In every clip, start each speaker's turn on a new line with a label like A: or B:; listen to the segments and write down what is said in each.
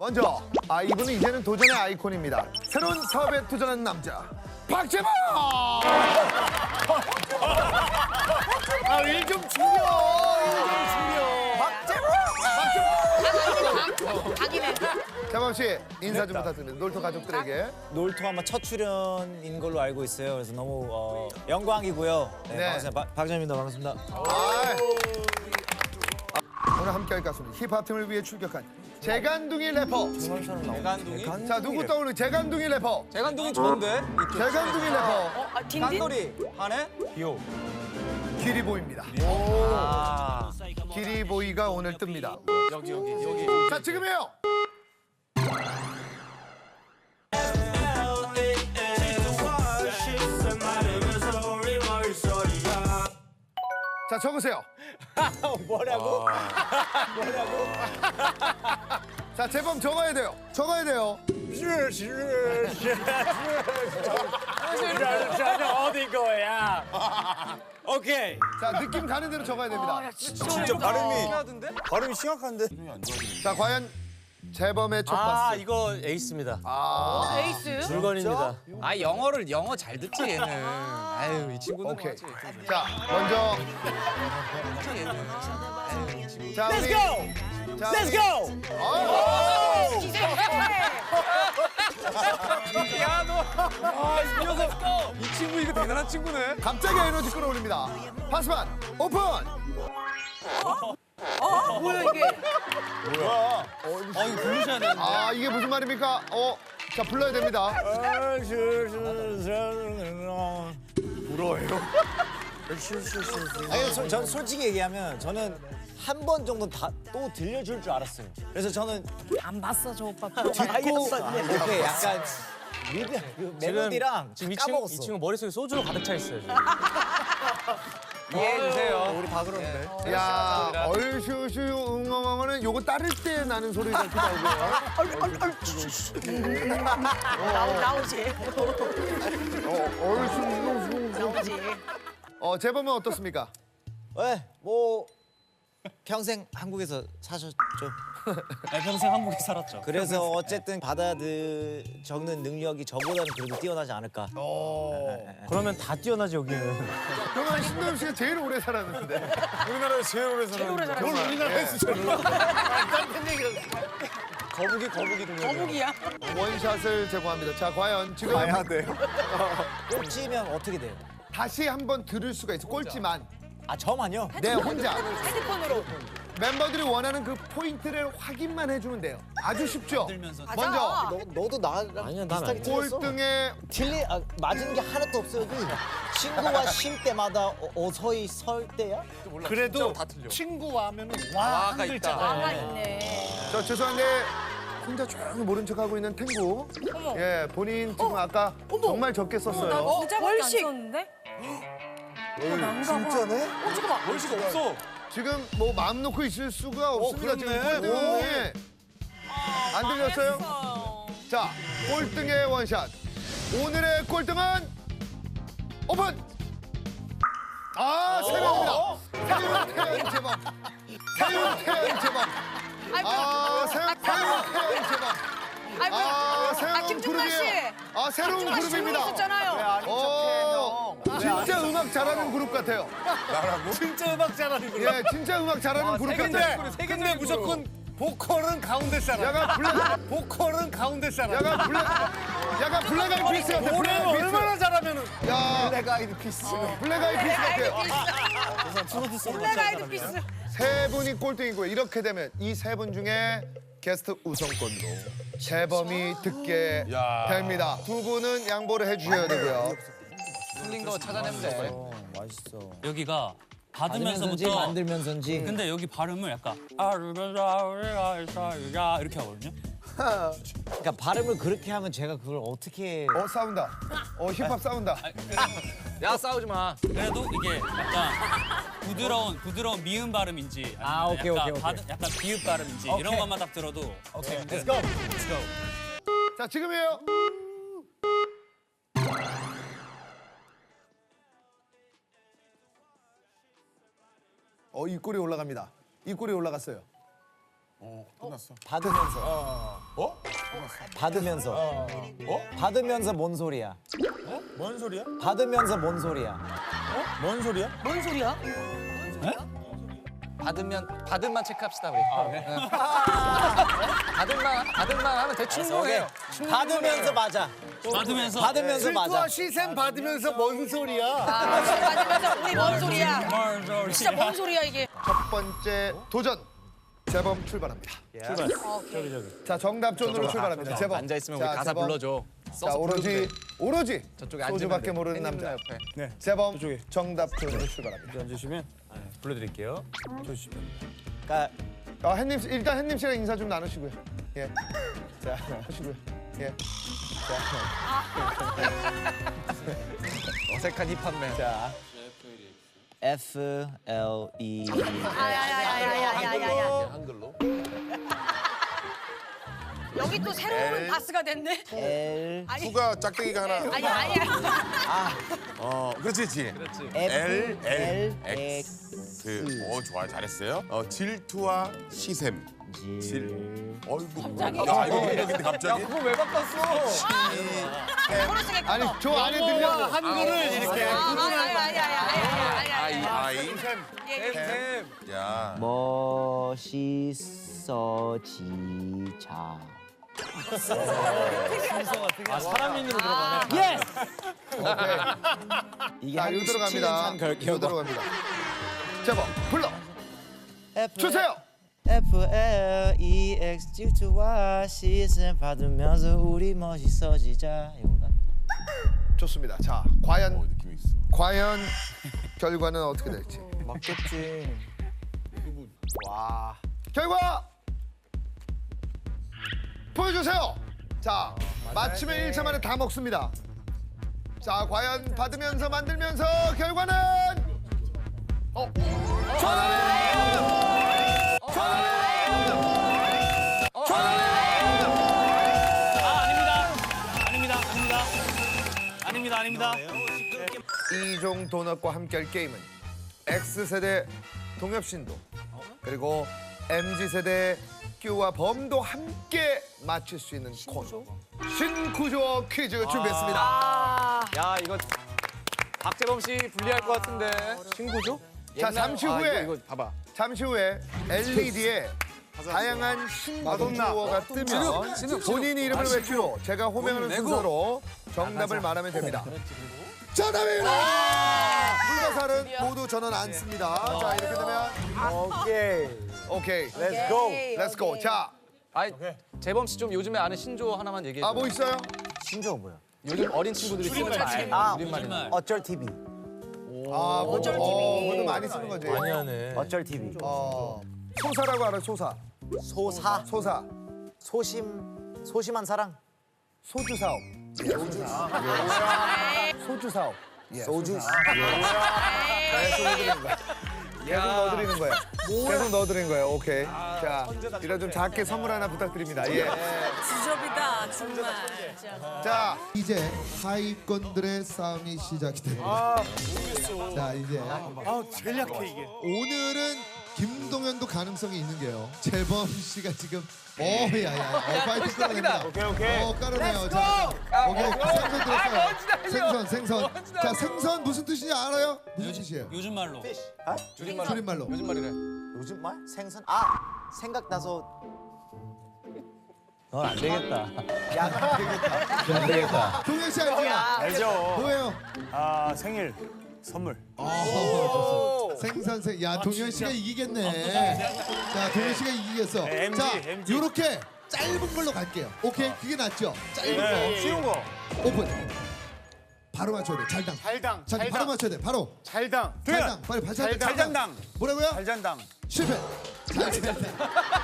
A: 먼저 이분은 이제는 도전의 아이콘입니다. 새로운 사업에 도전하는 남자 박재범! 일 좀 줄여.
B: 각이네.
A: 재범 씨 인사 좀 부탁드립니다. 놀토 가족들에게.
C: 놀토 아마 첫 출연인 걸로 알고 있어요. 그래서 너무 영광이고요. 네,
A: 네.
C: 반갑습니다. 박정입니다. 반갑습니다.
A: 오늘 함께할 가수는 힙합 팀을 위해 출격한 재간둥이 래퍼.
D: 재간둥이?
A: 자 누구 떠오르는 재간둥이 래퍼?
D: 재간둥이 좋은데?
A: 재간둥이 래퍼
B: 딘딘?
D: 깐돌이 하네?
A: 기리보이입니다. 기리보이가 오늘 뜹니다.
D: 여기.
A: 자 지금이에요. 자 적으세요.
C: 뭐라고?
A: 자 재범 적어야 돼요. 적어야 돼요.
C: 어디 거야? 오케이.
A: 자 느낌 가는 대로 적어야 됩니다.
C: 진짜 발음이 심각한데?
A: 자 과연 재범의 첫 파스.
E: 이거 에이스입니다.
B: 에이스?
E: 물건입니다.
D: 영어 잘 듣지 얘는. 아유 이 친구는
A: 오케이.
D: 뭐지?
A: 자 먼저 자
C: Let's
A: 우리
C: go!
A: 자,
C: Let's go!
D: 이 친구 이거 대단한 친구네.
A: 갑자기 에너지 끌어올립니다. 파스판 오픈.
B: 뭐야 이게?
E: 이거 부르셔야 되는데.
A: 이게 무슨 말입니까? 자 불러야 됩니다.
C: 아니, 전 솔직히 얘기하면 저는 한 번 정도 또 들려줄 줄 알았어요. 그래서 저는
B: 안 봤어 저 오빠.
C: 듣고 이렇게 약간 그 멜로디랑
E: 지금
C: 까먹었어.
E: 이 친구 머릿속에 소주로 가득 차 있어요. 지금.
D: 이해해주세요.
C: 우리 다 그러는데.
A: 야 얼슈슈 웅엉엉은 요거 따를 때 나는 소리 같기도 하고요.
B: 나오지.
A: 얼슈 웅엉엉.
B: 나오지.
A: 재범은 어떻습니까?
C: 네, 뭐 평생 한국에서 사셨죠.
E: 평생 한국에 살았죠.
C: 그래서 어쨌든 적는 능력이 저보다는 그래도 뛰어나지 않을까.
E: 그러면 다 뛰어나지 여기는.
A: 그러면 신도엽 씨가 제일 오래 살았는데.
C: 우리나라에 제일 오래 살았는데.
A: 그걸 우리나라에서 제일 오래
C: 거북이
B: 거북이야?
A: 원샷을 제공합니다. 자 과연 지금
C: 꽂히면 어떻게 돼요?
A: 다시 한번 들을 수가 있어. 꼴찌만
C: 저만요?
A: 내 혼자
B: 핸드폰으로.
A: 멤버들이 원하는 그 포인트를 확인만 해주면 돼요. 아주 쉽죠. 먼저
C: 너도 나랑
E: 아니야, 난
C: 비슷하게
E: 아니야.
C: 틀렸어.
A: 꼴등의
C: 맞은 게 하나도 없어요. 여기. 친구와 쉴 때마다 어서히 설 때야?
D: 그래도 친구와 하면은 와가 있다.
B: 아가 있네.
A: 저 죄송한데 혼자 조용히 모른 척하고 있는 탱구.
B: 어머.
A: 예 본인 지금 아까 정말 적게 썼어요.
B: 진짜밖에 안 썼는데?
C: 진짜네?
B: 잠깐만.
D: 월시가 없어.
A: 지금 뭐 마음 놓고 있을 수가 없습니다. 지금 꼴등에 안 들렸어요? 자 꼴등의 원샷. 오늘의 꼴등은 오픈. 세명입니다. 세윤태연 제법. 세윤태연 제법. 세윤태연 제법. 새로운
B: 김중만 씨.
A: 그룹이에요. 새로운
B: 김중만 씨
A: 그룹입니다.
B: 있었잖아요.
A: 진짜 음악 잘하는 그룹 같아요.
D: 진짜 음악 잘하는 거.
A: 예, 진짜 음악 잘하는 그룹 같아요.
D: 근데 무조건 보컬은 가운데 사람. 보컬은 가운데 사람.
A: 약간 블랙 아이드 피스 같아. 블랙
D: 노래는
A: 아이드 피스.
D: 얼마나 잘하면
A: 블랙 아이드 피스. 블랙 아이드 피스 같아요.
B: 블랙 아이드 피스.
A: 세 분이 꼴등이고요. 이렇게 되면 이 세 분 중에 게스트 우선권으로 재범이 듣게 됩니다. 두 분은 양보를 해주셔야 되고요.
D: 틀린 거 찾아내면 돼.
C: 맛있어.
E: 여기가
C: 받으면서인지
E: 받으면서부터.
C: 만들면서인지.
E: 근데 여기 발음을 약간 이렇게 하거든요.
C: 그러니까 발음을 그렇게 하면 제가 그걸 어떻게
A: 싸운다. 힙합 싸운다.
D: 야 싸우지 마.
E: 그래도 이게 약간 부드러운 미음 발음인지 아니면
C: 오케이,
E: 약간,
C: 오케이.
E: 약간 비읍 발음인지 이런 것만 딱 들어도
C: 오케이.
E: 네.
C: Let's go. Let's go.
A: 자, 지금이에요. 입꼬리 올라갑니다. 입꼬리 올라갔어요.
C: 받으면서. 받으면서. 받으면서 뭔 소리야?
D: 뭔 소리야?
C: 받으면서 뭔 소리야?
D: 뭔 소리야?
B: 뭔 소리야?
F: 받음만 체크합시다 우리. 받음만 하면 대충 뭐해요.
C: 받으면서 맞아.
E: 받으면서
C: 받으면서
D: 질투와
C: 맞아.
D: 시샘 받으면서 뭔 소리야?
B: 맞으면서 우리 뭔 소리야?
E: 뭘 소리.
B: 진짜 뭔 소리야 이게?
A: 첫 번째 도전 재범 출발합니다. 자 정답존으로 출발합니다. 재범.
F: 앉아 있으면
A: 자,
F: 우리 가사
A: 재범.
F: 불러줘.
A: 자 오로지
F: 저쪽에 앉으면
A: 소주밖에
F: 돼.
A: 모르는
F: 팬님
A: 남자.
F: 누나 옆에.
A: 재범 정답존으로 출발합니다.
D: 앉으시면 불러드릴게요. 좋습니다.
C: 그러니까
A: 햇님 씨, 일단 햇님 씨랑 인사 좀 나누시고요. 예. 자 하시고요. 예.
F: 어색한 힙합맨.
A: 자
C: FLE.
B: 야야야야야야야. 여기 또 새로운 바스가 됐네.
C: L
G: 후가 짝대기가 하나.
B: 아니야.
G: 그렇지.
C: F
G: L
C: X
G: 좋아, 잘했어요. 질투와 시샘. 어이구.
B: 갑자기?
G: 야, 이거 왜 이래, 근데 갑자기?
F: 그거 왜 바꿨어?
B: 초록색에
A: 아니 저 안에 들려고.
D: 한글을 이렇게.
B: 아야야야야야야.
G: 아이. 야.
C: 멋있어지자.
D: 사람인으로 들어가네.
C: 예스. 이게
A: 자 이거 들어갑니다. 이거 들어갑니다. 재범 불러 주세요.
C: FLEX 질투와 시선 받으면서 우리 멋있어지자. 이건가?
A: 좋습니다. 자 과연
G: 느낌 있어.
A: 결과는 어떻게 될지.
C: 맞겠지.
A: 결과 보여주세요. 자 맞히면 1차 만에 다 먹습니다. 자 과연 받으면서 만들면서 결과는
E: 아닙니다.
A: 이종 도넛과 함께할 게임은 X세대 동엽신도 그리고 MZ세대 큐와 범도 함께 맞출 수 있는 코너 신구조 퀴즈 준비했습니다.
F: 야 이거 박재범 씨 불리할 것 같은데. 친구죠?
A: 자, 잠시 후에.
F: 이거 봐봐.
A: 잠시 후에 LED에 다양한 신구조어가 뜨면 본인 이름을 외치고 제가 호명하는 순서로 정답을 말하면 됩니다. 정답입니다! 불가사는 모두 전원 안 씁니다. 자 이렇게 되면 오케이. Let's go. 자,
F: 아이 재범 씨 좀 요즘에 아는 신조어 하나만 얘기해 줘.
A: 뭐 있어요?
C: 신조어 뭐야?
F: 요즘 어린 친구들이 쓰는 말.
C: 아,
F: 우리말이나.
C: 어쩔 TV.
A: 어쩔 TV. 그것도 많이 쓰는 거지.
D: 하네.
C: 어쩔 TV.
A: 소사라고 알아? 소사.
C: 소사.
A: 소사.
C: 소심한 사랑.
A: 소주 사업. 소주 사업.
C: 소주.
A: 계속 넣어드리는 거예요. 계속 넣어드리는 거예요. 오케이. 자, 이런 좀 작게 선물 하나 부탁드립니다. 예.
B: 지저비다 정말.
A: 자,
H: 이제 하위권들의 싸움이 시작이 됩니다. 자 이제
D: 제일 약해 이게.
H: 오늘은 김동현도 가능성이 있는 게요. 재범 씨가 지금 야야 파이팅 끌어냅니다.
D: 오케이.
H: 깔아내요. 자, 오케이 생선 들었어요. 생선. 자 생선 무슨 뜻인지 알아요? 무슨 뜻이에요?
E: 요즘 말로.
H: 줄임말로.
F: 요즘 말이래.
C: 요즘 말? 생선? 아 생각나서. 넌 안 되겠다. 야, 안 되겠다.
H: 동현 씨 알죠?
D: 알죠.
H: 뭐예요?
D: 생일 선물.
H: 생선. 야 동현 씨가 이기겠네. 자 동현 씨가 이기겠어.
D: MG,
H: 자
D: MG.
H: 요렇게 짧은 걸로 갈게요. 오케이 그게 낫죠? 짧은 거.
D: 쉬운 거.
H: 오픈. 바로 맞춰야 돼. 잘당.
D: 잘당.
H: 자, 바로 맞춰야 돼. 바로.
D: 잘당.
H: 잘당. 빨리 맞춰야 돼.
D: 잘장당.
H: 뭐라고요?
D: 잘장당.
H: 실패. 잘당.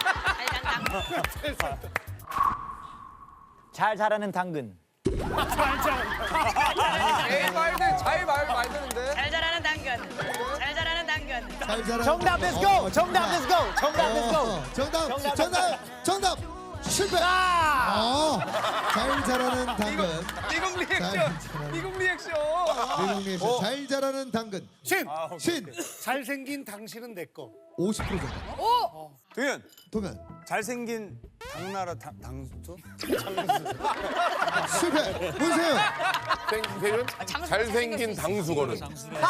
C: 잘 자라는 당근.
F: 잘 말 되는데.
B: 잘 자라는 당근. 잘 자라는 당근.
H: 잘 자라.
C: 정답 let's go. 정답 let's go. 정답 let's go.
H: 정답. 실패. 잘 자라는 당근.
F: 미국 리액션. 미국 리액션.
H: 미국 리액션. 잘 자라는 당근. 신.
D: 잘생긴 당신은 내 거.
H: 50% 정도.
D: 도현.
H: 동현.
D: 잘생긴 당나라 당수?
H: 실패. 문세윤.
G: 세윤 잘생긴 당수거는.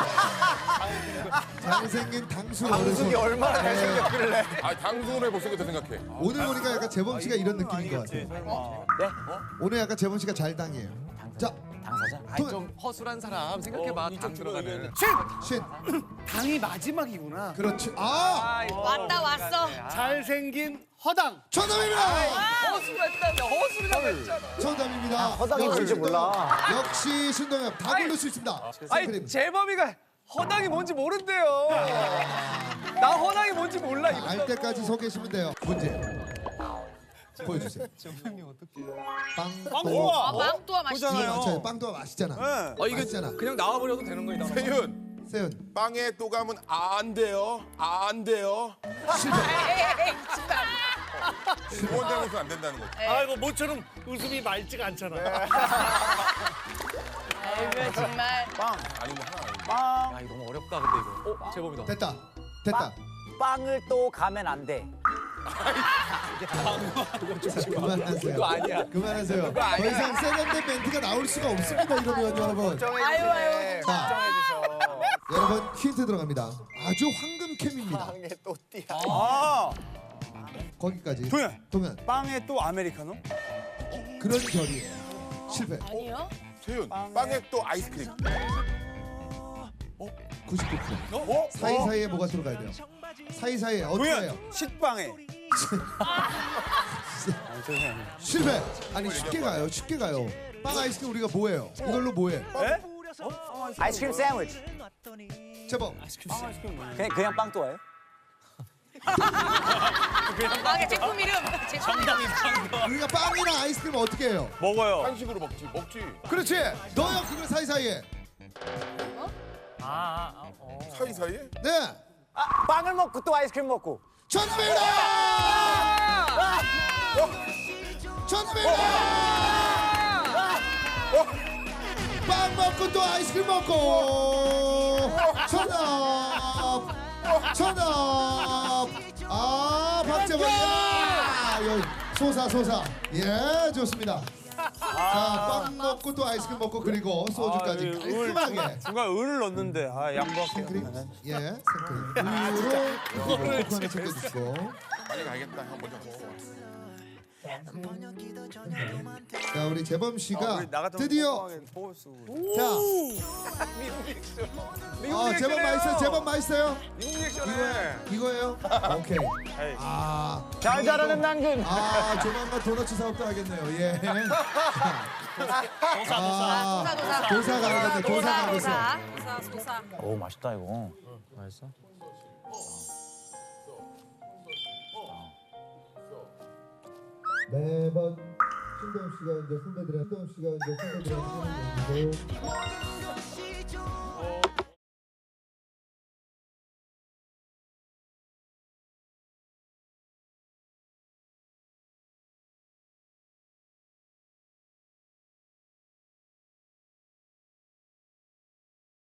H: 잘생긴 당수
C: 당숙이
H: 어르신.
C: 얼마나 잘생겼길래.
G: 아 당수를 못생겼다 생각해.
H: 오늘 보니까 약간 재범 씨가 이런 느낌인 것 같아요.
C: 네?
H: 오늘 약간 재범 씨가 잘 당해요. 자,
C: 당사자?
H: 동-
F: 좀 허술한 사람 생각해봐. 당 들어가는.
H: 신.
D: 당이 마지막이구나.
H: 그렇지. 아,
B: 왔다 왔어.
D: 잘생긴 허당.
H: 정답입니다.
F: 허술했다며 허술이라고 했잖아.
H: 정답입니다.
C: 허당이 뭔지 몰라.
H: 역시 신동엽 다 고를 수 있습니다.
F: 아니
H: 생크림.
F: 재범이가 허당이 뭔지 모른대요. 나 허당이 뭔지 몰라. 이거.
H: 알 때까지 서 계시면 돼요. 문제 보여주세요. 빵도.
B: 아, 빵또와 맛있어.
H: 이거 맞춰요. 빵도 맛있잖아.
F: 이거
H: 맛있잖아.
F: 그냥 나와버려도 되는 거야.
G: 세윤
H: 세윤
G: 빵에 또 가면 안 돼요. 안 돼요.
H: 실패.
G: 두번 잘못은 안 된다는 거지.
D: 아이고 모처럼 웃음이 맑지가 않잖아.
B: 아이고 정말.
G: 아니면 하나.
F: 야 이거 너무 어렵다 근데 이거. 재범이다.
H: 됐다. 됐다.
C: 빵을 또 가면 안 돼.
H: 그만하세요.
F: 그거 아니야.
H: 그만하세요. 더 이상 세련된 멘트가 나올 수가 없습니다. 이러면 여러분.
B: 아유 아유.
H: 자, 여러분 힌트 들어갑니다. 아주 황금캠입니다.
C: 또 띠야.
D: 아
H: 거기까지.
D: 동현. 빵에 또 아메리카노?
H: 그런 결이에요. 실패.
B: 아니요?
G: 세윤 빵에 또 아이스크림.
H: 99%. 사이사이에 뭐가 들어가야 돼요? 사이사이에 어떻게 해요?
D: 동현. 식빵에.
H: 실패. 아니 쉽게 가요. 쉽게 가요. 빵 아이스크림 우리가 뭐예요? 이걸로 뭐해?
D: 에?
C: 아이스크림 샌드위치.
H: 제법.
C: 그냥 빵 또 와요?
B: 빵의 제품 이름. 제품 이름.
H: 우리가 빵이나 아이스크림 어떻게 해요?
D: 먹어요.
G: 한식으로 먹지.
H: 그렇지. 넣어요 그걸 사이사이에.
G: 사이사이에?
H: 네.
C: 빵을 먹고 또 아이스크림 먹고.
H: 정답입니다. 정답입니다. 빵 먹고 또 아이스크림 먹고. 정답. 정답. 아 박재범이야. 소사. 예 좋습니다. 자, 빵 먹고 또 아이스크림 먹고 그리고 소주까지 깔끔하게.
D: 중간 을을 넣는데 양보할게요.
H: 생크림? 예, 생크림. 우유로 코코 하나 챙겨주시고.
G: 빨리 가야겠다. 형 먼저 먹어.
H: 자, 우리 재범 씨가
D: 우리 나 같은
H: 드디어
D: 포스
H: 자,
F: 미국
H: 재범 맛있어요. 재범 맛있어요.
F: 미국 리액션해.
H: 이거예요? 오케이. 아,
C: 잘 자라는 당근.
H: 아, 조만간 도넛 사업도 하겠네요. 예. 아, 도사 가야겠네. 도사 가야겠어.
B: 소사.
C: 오 맛있다 이거.
H: 매번 신동엽 씨가 이제 선배들한테 해주는 얘기도